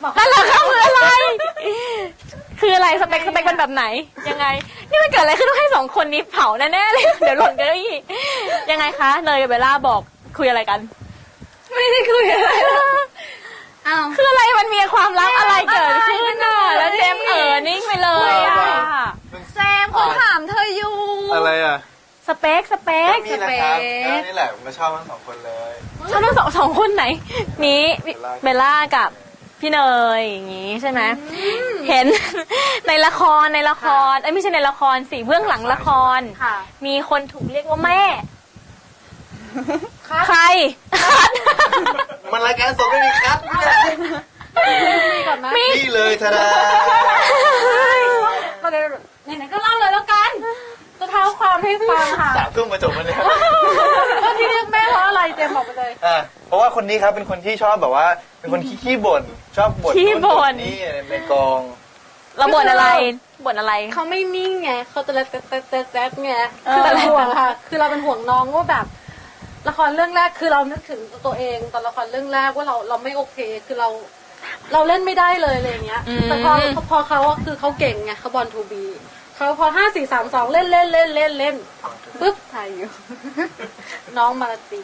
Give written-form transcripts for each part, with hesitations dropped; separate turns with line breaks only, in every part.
นั่นแหละค่ะคืออะไรคืออะไรสเปคเป็นแบบไหนยังไงนี่มันเกิดอะไรขึ้นต้องให้2คนนี้เผาแน่ๆเลยเดี๋ยวหล่นกันอีกยังไงคะเนยกับเบลล่าบอกคุยอะไรกัน
ไม่ได้คุยอะไร
คืออะไรมันมีความลับอะไรเกิดขึ้นน่ะแล้วเจมนิ่งไปเลยอ่ะ
แซมเขาถามเธออยู่
อะไรอ่ะ
สเปค
นี่แหละครับนี่แหละผมก็ชอบทั้ง2 คนเลย
ชอบทั้งสองคนไหนนี้เบลล่ากับพี่เนยอย่างงี้ใช่ไหมเห็นในละครไม่ใช่ในละครสิเบื้องหลังละครมีคนถูกเรียกว่าแม่ใคร
มันรายการสดไม่มีคัดนี่เลยทาดา
ไหนๆก็เล่าเลยแล้วกันจะเท้าความให้ฟังค่ะ
3 ทุ่มมาจบมันเลย
ที่เรียกแม่เพราะอะไรเจมบอกไปเลย
เพราะว่าคนนี้ครับเป็นคนที่ชอบแบบว่าเป็นคนขี้บ่นชอบบ่นนี่ในกอง
เราบ่นอะไร
เขาไม่นิ่งไงเขาจะแจ๊ดไงคือเราห่วงค่ะคือเราเป็นห่วงน้องว่าแบบละครเรื่องแรกคือเรานึกถึงตัวเองตอนละครเรื่องแรกว่าเราไม่โอเคคือเราเล่นไม่ได้เลยอะไรเงี้ยแต่พอเขาคือเขาเก่งไงเขาบอลทูบีเขาพอ5 4 3 2เล่นปึ๊บถ่ายอยู่น้องมาลาตี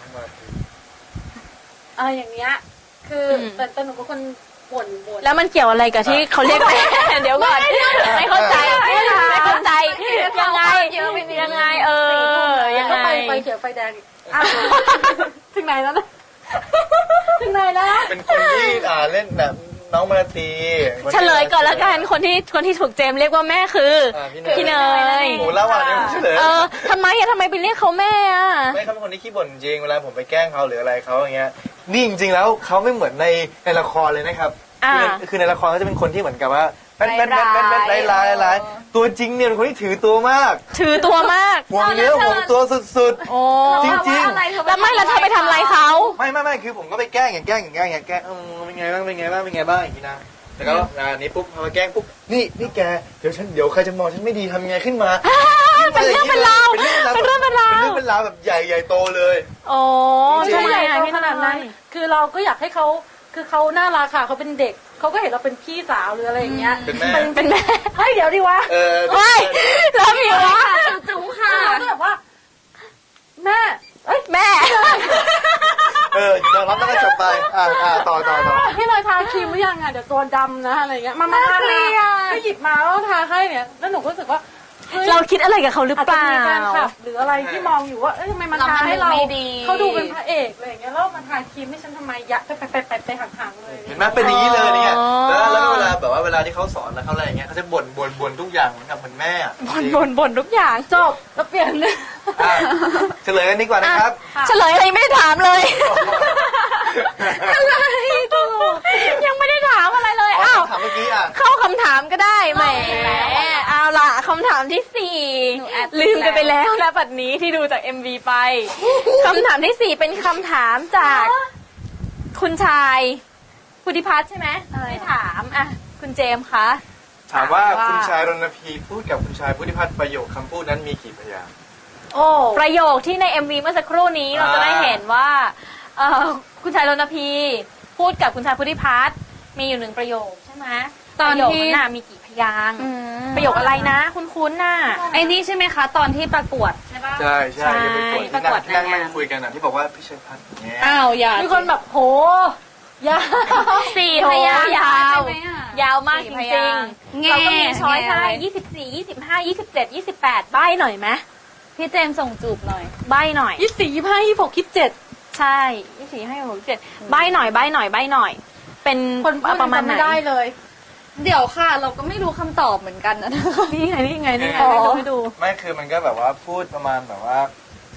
อะไรอย่างเงี้ยคือแต่หนูเป็นคนบ่น
แล้วมันเกี่ยวอะไรกับที่เขาเรียกเดี๋ยวก่อนไม่เข้าใจยังไงยังไง
ไปเขียวไฟแดงถึงไหนแล้วนะถึงไหนแล้ว
เป็นคนที่เล่นแบบน้องมาลาตี
เฉลยก่อนแล้วกันคนที่ถูกเจมเรียกว่าแม่คือพี่เนย
โอ้แล้ววันนี้เฉลย
ทำไมไปเรียกเขาแม่
ไม่เขาเป็นคนที่ขี้บ่นจริงเวลาผมไปแกล้งเขาหรืออะไรเขาอย่างเงี้ยนี่จริงๆแล้วเขาไม่เหมือนในละครเลยนะครับคือในละครเขาจะเป็นคนที่เหมือนกับว่าเป็นร้ายตัวจริงเนี่ยเป็นคนที่ถือตัวมากห่วงเนื้อห่วงตัวสุดๆจริงๆ
แล้วไม่แล้วเธอไปทำอะไรเขา
ไม่คือผมก็ไปแกล้งอย่างเป็นไงบ้างอย่างนี้นะแล้วก็นี้ปุ๊บพอมาแกล้งปุ๊บนี่แกเดี๋ยวใครจะมองฉันไม่ดีทำยังไงขึ้นมา
เป็นเรื่องเป็นราว
แบบใหญ่โตเลย
โอ้
ใช่ขนาดนั้นคือเราก็อยากให้เขาคือเขาน่ารักค่ะเขาเป็นเด็กเขาก็เห็นเราเป็นพี่สาวหรืออะไรอย่างเงี้ย
เป็นแม่
เฮ้ยเดี๋ยวดิวะ
ไม่แล้วมีวะ
จุ๋มค่ะก็แบบว่าแม่
ยอมรับแล้วก็จบไปต่อ
ให้เลยทาครีมหรือยังเดี๋ยวตัวดำนะอะไรเงี้ยมาทาก็หยิบมาแล้วทาให้เนี่ยแล้วหนูก็รู้สึกว่า
เราคิดอะไรกับเขาหรือเปล่า
หรืออะไรที่มองอยู่ว่าทำไมมันทาให้เราเขาดูเป็นพระเอกอะไรอย่างเงี้ยแล้วมันทาครีมให้ฉันทำไมยะไปห่างๆเลย
เห็นไหมเป็นอย่างนี้เลยเนี่ยแล้วเวลาแบบว่าเวลาที่เขาสอนแล้วเขาอะไรอย่างเงี้ยเขาจะบ่นทุกอย่างเหมือนกับเหมือนแม่
บ่นทุกอย่าง
จบแล้วเปลี่ยนเลย
เฉลยกันดีกว่านะครับ
เฉลยอะไรไม่ได้ถามเลยอะไรยังไม่ได้ถามอะไรเลย
ถามเมื่อกี้
เข้าคำถามก็ได้แหมเอาล่ะคำถามที่4ลืมกันไปแล้วนะบัดนี้ที่ดูจาก MV ไปคำถามที่4เป็นคำถามจากคุณชายพุทธิพัฒน์ใช่ไหมไม่ถามคุณเจมส์คะ
ถามว่าคุณชายรณพีพูดกับคุณชายพุทธิพัฒน์ประโยคคำพูดนั้นมีกี่พยางค์
ประโยคที่ใน MV เมื่อสักครู่นี้เราจะได้เห็นว่าคุณชายรณพีพูดกับคุณชายพุทธิพัฒน์มีอยู่1ประโยคใช่ไหมตอนที่มีกี่พยางค์ประโยคอะไรนะคุ้นๆน่ะ
ไอ้นี่ใช่ไหมคะตอนที่ประกวดใช่ป่ะ
ใช่ประกวดนั่งคุยกันที่บอกว่าพี่ชัยพัฒน์เนี่ย
อย่ามีคนแบบโหยาว
4 พยางค์ยาวมากจริงๆเราก็มีช้อยให้24 25 27 28ใบ้หน่อยไหม
พี่เจมส่งจูบหน่อย
ใบ้หน่อย
24 25 26 27
ใช่24 25 27ใบ้หน่อยเป็นประมาณไหน
ไม่ได้เลยเดี๋ยวค่ะเราก็ไม่รู้คำตอบเหมือนกันนะ
นี่ไงไม่ดู
ไม่คือมันก็แบบว่าพูดประมาณแบบว่า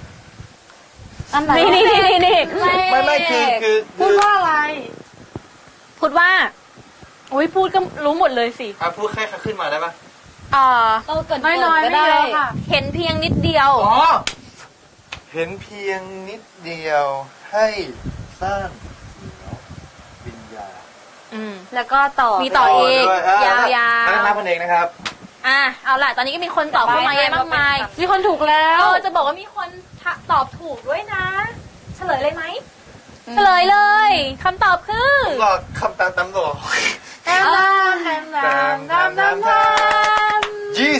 นี่
ไม่คือ
พูดว่าอะไร
พูดว่าโอ้ยพูดก็รู้หมดเลยสิ
พูดแค่ขึ้นมาได้ปะ
เราเกิดน้อยก็ได้
เห็นเพียงนิดเดียว
เห็นเพียงนิดเดียวให้สร้างวิญญาณ
แล้วก็มีต่ออีกยาว
ๆนับพันเองนะครับ
เอาล่ะตอนนี้ก็มีคนตอบเข้ามาเยอะมากมาย
มีคนถูกแล้ว
จะบอกว่ามีคนตอบถูกด้วยนะเฉลยเลยไหมเฉลยเลยคำตอบคือ
บอกคำตามตัว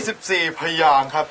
24 พยางค์ครับ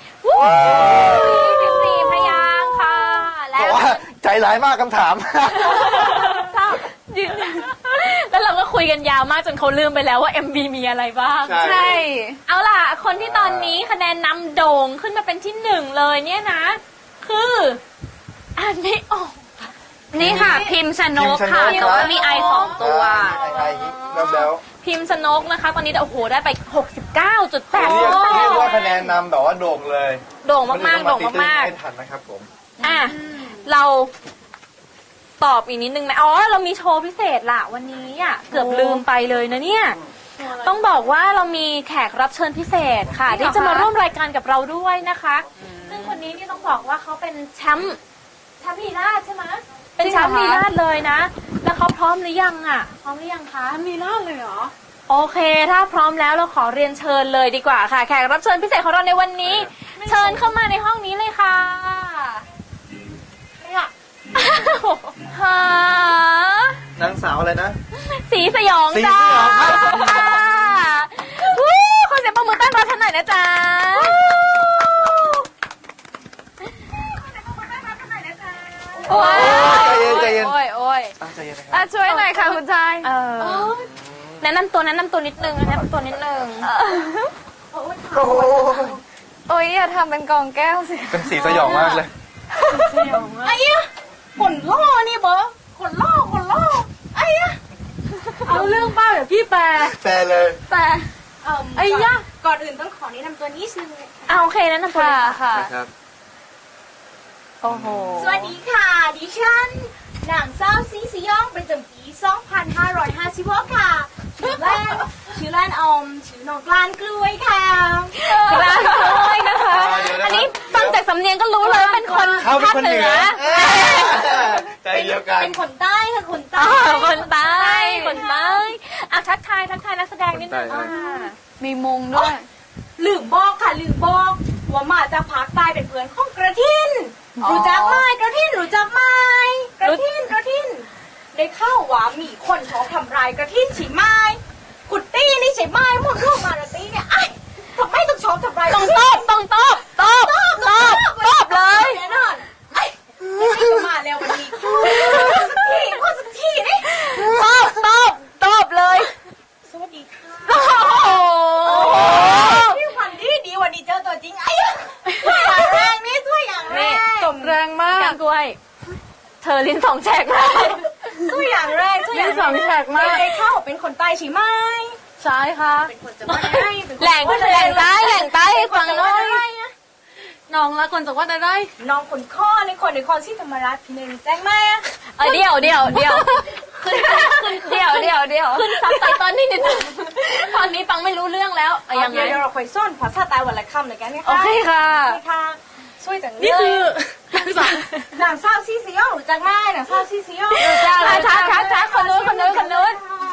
24 พยางค์ค่ะ แล้
แต่
ว
ว่าใจร้ายมากคำถาม
ยืนแล้วเราก็คุยกันยาวมากจนเขาลืมไปแล้วว่า MV มีอะไรบ้าง
ใช่
เอาล่ะ คนที่ตอนนี้คะแนนนำโด่งขึ้นมาเป็นที่หนึ่งเลยเนี่ยนะ คืออ่านไม่ออก
นี่ค่ะ พิมพ์ชนกค่ะ
พิมพ์ชนก
แต่ว่ามีไอ2 ตัว
ไอแล้ว
พิมพ์ชนกนะคะ ตอนนี้โอ้โหได้ไป 69.8
เรียกว่าคะแนนนำแบบว่าโด่งเลย
โด่งมากๆโด่งมาก
ไม่ทันนะครับผม
ๆอ่ะเราตอบอีกนิดนึงไหมอ๋อเรามีโชว์พิเศษล่ะวันนี้อ่ะเกือบลืมไปเลยนะเนี่ย ต้องบอกว่าเรามีแขกรับเชิญพิเศษค่ะ ที่จะมาร่วมรายการกับเราด้วยนะคะ ซึ่งคนนี้นี่ต้องบอกว่าเขาเป็นแชมป์ลีราชใช่ไหมเป็นแชมป์ลีราชเลยนะ แล้วเขาพร้อมหรือยังอ่ะพร้อมหรือยังคะ
มีล่าเลยเหรอ
โอเค ถ้าพร้อมแล้วเราขอเรียนเชิญเลยดีกว่าค่ะ แขกรับเชิญพิเศษของเราในวันนี้ เชิญเข้ามาในห้องนี้เลยค่ะหาน
างสาวอะไรนะ
สีสยอง
สี
จ้า
สยองครับ
ค่ะวู้ขอเสียงปรบมือต้อนรับท่านหน่อยนะจ๊ะโอ้ย
ใจเย็น
โอ้ยโอ้ย
ใจเย็นนะครับ
ช่วยหน่อยค่ะคุณชายแนะนำตัวนิดนึงแนะนำตัวนิดนึง
โอ้โห
โอ้ยอย่าทำเป็นกองแก้วสิ
เป็นสีสยองมากเลย
ไอ้ยะขนล่อนี่เบอขนล่อไอ้ยะ
เอาเรื่องบ้าเดี๋ยวพี่แปล
แต่เลย
แต่
ไอ้ยะ
ก่อนอื่นต้องขอแนะนำตัวนิดนึง
เอาโอเคแนะนำตัวเลยค่ะ
นะครับ
โอ้โห
สวัสดีค่ะ ดิฉันนางสาวซีซียองประจำปี 2556 ค่ะ ชื่อเล่นชื่อน้องกลานกล้วยค่ะ
กลางเลยนะคะ
เดี๋ยวนะครับ
อันนี้ฟังจากสำเนียงก็รู้เลยว่าเป็นคน
เขาเป็น
ภาค
คน
เห
เห
นื
นื
อ
อใจเดียวกัน
เป็นคนใต้ค่ะคน
อ๋
ใต้
อคนใต้คนใต้อ่ะทักทายนักแสดงนิดนึง
คนใต้
ค่ะ
มีมงด้วย
ลืมบอกค่ะลืมบอกว่ามาจากภาคใต้เป็นเพื่อนของกระทิน รู้จักไหมกระทินรู้จักไหมกระทินได้เข้าว่ามีคนชอบทำร้ายกระทินใช่ไหมกุตตี้นี่ใช่ไหมหมดลูกมารตี้เนี่ยไอ้ทำไมต้องชอบทำร้าย
ต้องตอบเลย
แน่นอนไอ้ไม่ใช่จะมาแล้ววันนี้พูดสักทีนี่
ตอบเลย
สวัสดีค่ะ
โอ้โห
พี่ขวัญดีวันนี้เจอตัวจริงไอ้อย่างแรงนี่ช่วยอย่างแร
นี่
ง
สมแรงมาก
แกงกล้วย เธอลิ้นสองแฉกมาก
ช่วยอย่างแรกช่วยอย่าง
นี่สองแฉกมาก
ได้เข้าเป็นคนใต้ใช่ไหม
ใช่ค่ะ
เป็นคนจะมาได้เป็นคน
แหล่งใต้ให้ฟังหน่อย
น้องละคนจะว่าได้
น้องคนข้อในคนที่ธรรมรัฐหนึ่งแจ้งไหมอะ
เดี๋ยวขึ้นซับไตเติ้ลนิดนึงตอนนี้ฟังไม่รู้เรื่องแล้วยังไง
เดี๋ยวเราคอยซ่อนภาษาใต้วันละคำเลยกันนะคะ
โอเคค่ะ
นี่ค่ะช่วยจังเลย
นี่คือน
างสาวซีซียองรู้จักไหมนางสาวซีซียอง
ทักคนนู้นคนนู้น
อันนี้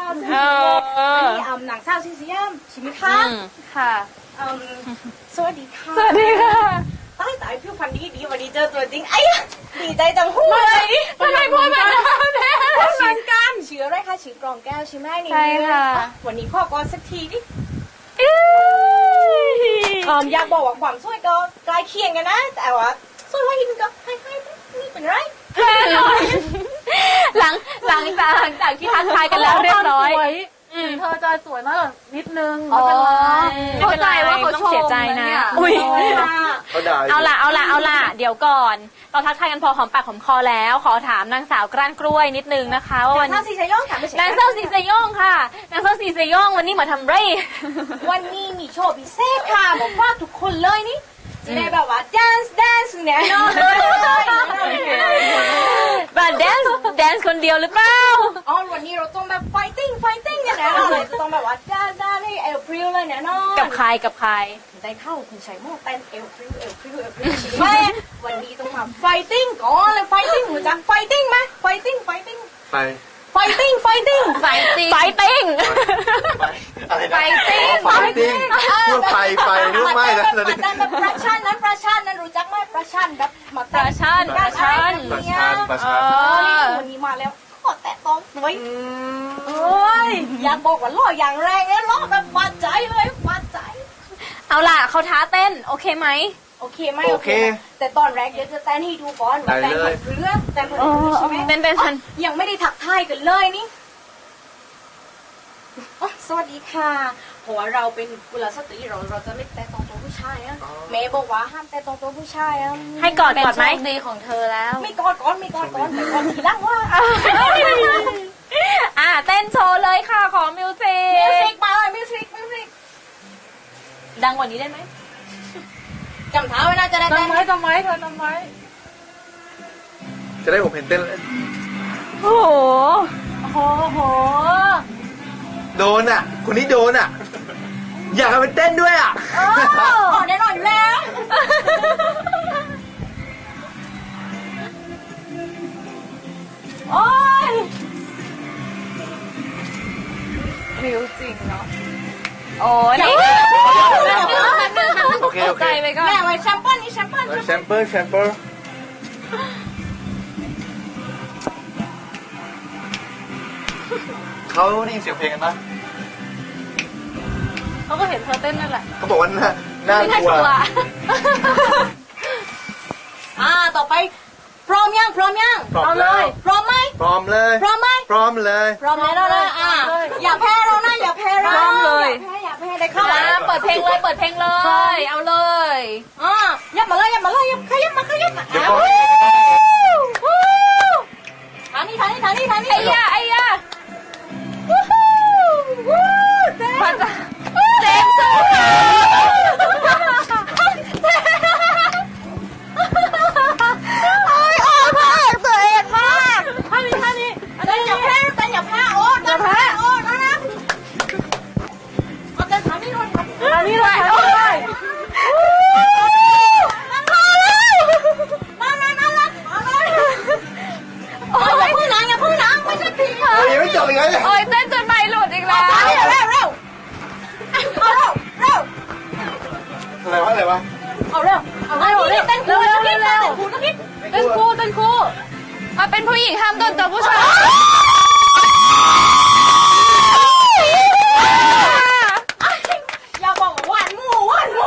นางสาวซีซียองใช่ไหมคะ
ค่ะ
สวัสดีค่ะ
สวัสดีค่ะ
ตายผิวพรรณดีวันนี้เจอตัวจริงไอ้ยะดีใจจังหูเลย
ทำไมพูดแบบนั้น
เหมือนกันชื่ออะไรคะชื่อกรองแก้วใช่ไหมนี่
ใช่ค่ะ
วันนี้พ่อกรสักทีดิอยากบอกว่าความสวยก็ใกล้เคียงกันนะ แต่ว่าสวยว่าหินก็ให้นี่เป็นไร
หลังจากที่ทักทายกันแล้วเรียบร้อย
เธอจะสวยมากกว่านิดนึง
อ๋อ
ไม่เป็นไร
ไม่เป็นไรว่าเขาชม
ต้องเสียใจนะ
เนี่ยอุ๊ย
เขาด่ายู่
เอาล่ะเดี๋ยวก่อน เราทักทายกันพอหอมปากหอมคอแล้ว ขอถามนางสาวกล้านกล้วยนิดนึงนะคะว่าวัน
ถ้าซีชยองถามไม่ใช่
นางสาวสีสยองค่ะนางสาวสีสยองวันนี้มาทำไร
วันนี้มีโชว์พิเศษค่ะบอกว่าทุกคนเลยนี่จะได้แบบว่า dance เนี่ยนอนเลย
แบบแดนซ์คนเดียวหรือเปล่า
อ๋อวันนี้เราต้องแบบ fighting เนี่ยแน่นอนเลยจะต้องแบบว่าด้านให้เอลพริ้วเลยแน่นอน
กับใคร
ได้เข้าคุณชัยโม่เต้นเอลพริ้วใช่ไหมวันนี้ต้องมา fighting ก่อนเลย fighting รู้จัก fighting ไหม fighting
ไป
fighting
ไฟติ้ง
อะไรนะ
Fighting
ไฟติ้งพูดไปนึกไม่นะตอนนี้
แต่แบบประชันนั้นรู้จักไหมประชันแบบมา
ปลาชัน
ประชัน
วันนี้มาแล้วขอแตะต้องหน่อยอยากบอกว่าล่ออย่างแรงเลยล่อแบบฟาดใจเลยฟาดใจ
เอาล่ะเขาท้าเต้นโอเคไหม
โอเคไหมโอเคแต่ตอนแรกเดี๋ยวจะเต้นให้ดูก่อนว่าเต้นผัดเรือแต่ผัดเรือใช่ไหม
เต้นทัน
ยังไม่ได้ทักทายกันเลยนี่อ๋อสวัสดีค่ะเพราะว่าเราเป็นกุลสตรีเราจะไม่แตะต้องตัวผู้ชายอะเมย์บอกว่าห้ามแตะต้องตัวผู้ชายอะ
ให้กอด
เป็น
ก่อน
โช
ไหม
คดีของเธอแล้ว
ไม่กอดก่อนไม่กอดก่อนแต่กอดทีหลังว่า
เต้นโชว์เลยค่ะขอมิวสิ
มิวสิ
ก
กมาเลยมิวสิก
ดังกว่านี้ได้ไหม
จำเท้าไว้นะจะได้เต้น
จำไว้เธอจำไว้
จะได้ผมเห็นเต้น
โอ้โห
โอ้โห
โดนอ่ะคนนี้โดนอ่ะ อยากเอาไปเต้นด้วยอ่ะ
อ๋อแน่นอนอยู่แล้วโอ้ย
ริ้วจริงเนาะ
โอ้นี่
โอเคโอเค
ใจไปก่อน
แม่ไว้แชมเปิลนี่แชมเปิล
แชมเปอร์แชมเปอร์เขาได้ยินเสียงเพลงกันปะ
เขาก็เห็นเธอเต้นนั่นแหละ
เขาบอกว่าน่ากลัว
ต่อไปพร้อมยังพร้อมยัง
พร้อมเลย
พร้อมไหม
พร้อมเลย
พร้อมไหม
พร้อมเลย
พร้อมแล้วนะอย่าแพ้เรานะอย่าแพ้เรา
พร้อมเลย
อย่าแพ้ได้เข้า
เปิดเพลงเลยเปิดเพลงเลย เอาเลย
ยับมาเลยยับมาเลยยับขยับมาขยับมา
เดี๋ยวก่อน
ทางนี้ทางนี้ทางนี้ทางนี้
ไอ้ยาไอ้ยา
เต้น
เต็มสู้โอ้ยออกมากตัวเองมาก
ทางนี้ทางนี้เต้นอย่าแพ้เต้นอย่าแพ้โอ้เต้นอย่าแพ้โอ้นะเอาเต้นทางนี้ด้วย
อันนี้เราใช้ได้
มาเลยโอ้ยอย่าพึ่งนะอย่าพึ่งนะไม่ใช่ผี
โอ้ยยังไม่จบอีกเลยเนี่ย
โอ้ยเต้นจนไม่หลุดอีกแล้ว
เร็วเร็วเร็วเอาเร็วเร็ว
อะไรวะ
เอาเร็วเอาเร็วเร็วเต้นคู่สักนิดเต้นคู่สักนิด
เต้นคู่เต้นคู่
มาเป็นผู้หญิงห้ามโดนตัวผู้ชาย
อย่าบอกหวานหมูหวานหมู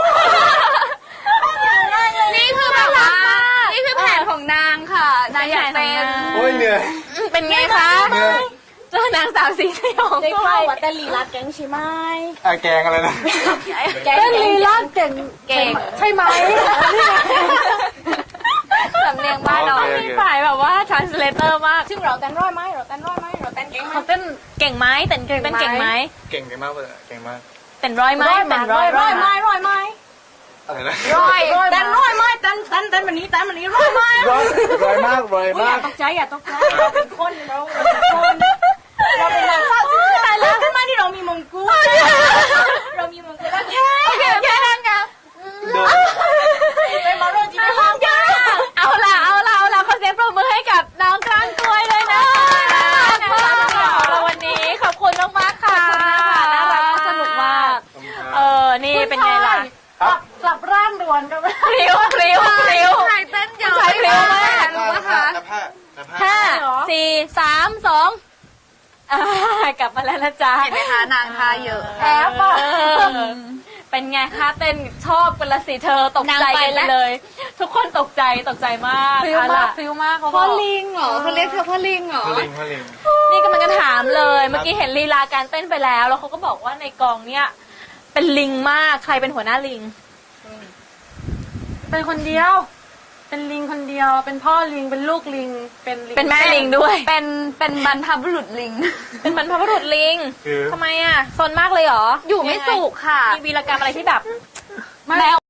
นี่คือแบบว่านี่คือแผนของนางค่ะนางอยากเป็น
โอ้ยเหนื่อย
เป็นไงคะ
เหนื่อย
เจอนางสาวสีสยอง
ได้ข่าวว่าแต่ลีลาแกงใช่ไหม
แกงอะไรนะ
แกง
เต้นลีลาเก่ง
เก่ง
ใช่ไหม
สำเนียงบ้านเรามีฝ่ายแบบว่า translator มาก
ซึ่งเราเต้นร้อยไหมเราเต้นร้อยไหมเราเต้นเก่งไหม
เขาเต้น
เก่งไหมเต้นเก่งไหม
เก่งมากเลยเก่งมาก
เต้นร้อยไหม
ร้อยไหม
เต้นร้อย
ร้อยไหมร้อยไหม
อะไรนะ
ร้อย
เต้นร้อยไหมเต้นแบบนี้เต้นแบบนี้ร้อยไหม
ร้อยมากร้อย
อย่าม
าก
ตกใจอย่าตกใจเราเป็นคนเราเป็นคนเราเป็นนางสาวตายแล้วขึ้นมาที่เรามีมงกุฎเรามีมงกุฎแล้วแค่
แค่นั้นค่ะ
โดน
เป็นมาโรจิเป็นมงกุฎ
เอาล่ะขอเสียงปรบมือให้กับน้องก้านกล้วยเลยนะของเราวันนี้ขอบคุณมากๆค่ะน่ารักสนุกมากนี่เป็นไงล่ะ
กลับร่างด่วนกัน
พริ้วพริ้วพริ้ว
ใครเต้นเยอะ
ใช้พริ้วมาก
รู้ปะคะ
ห้าสี่สามสองกลับมาแล้วนะจ๊ะ
เห็นไหมคะนางทาเยอะ
แอบอ่ะเป็นไงคะเต้นชอบกันละสิเธอตกใจกันไปเลย ทุกคนตกใจมาก
ฟิวมากฟิวมากเขาบ
พ่
อ
อก ลิงเหรอเขาเรียกเธอพ่อลิงเหรอ
พลิง
นี่กำลังจะถามเลย เมื่อกี้เห็นลีลาการเต้นไปแล้วเขาก็บอกว่าในกองเนี้ยเป็นลิงมากใครเป็นหัวหน้าลิง
เป็นคนเดียว เป็นลิงคนเดียว เป็นพ่อลิง เป็นลูกลิง เป็นลิง
เป็นแม่ลิงด้วย
เป็นบรรพบุรุษลิง
เป็นบรรพบุรุษลิง
คือ
ทำไมอ่ะซนมากเลยเหรอ
อยู่ไม่สุขค่ะ
มีวีรกรรมอะไรที่แบบ
ไม่
แมว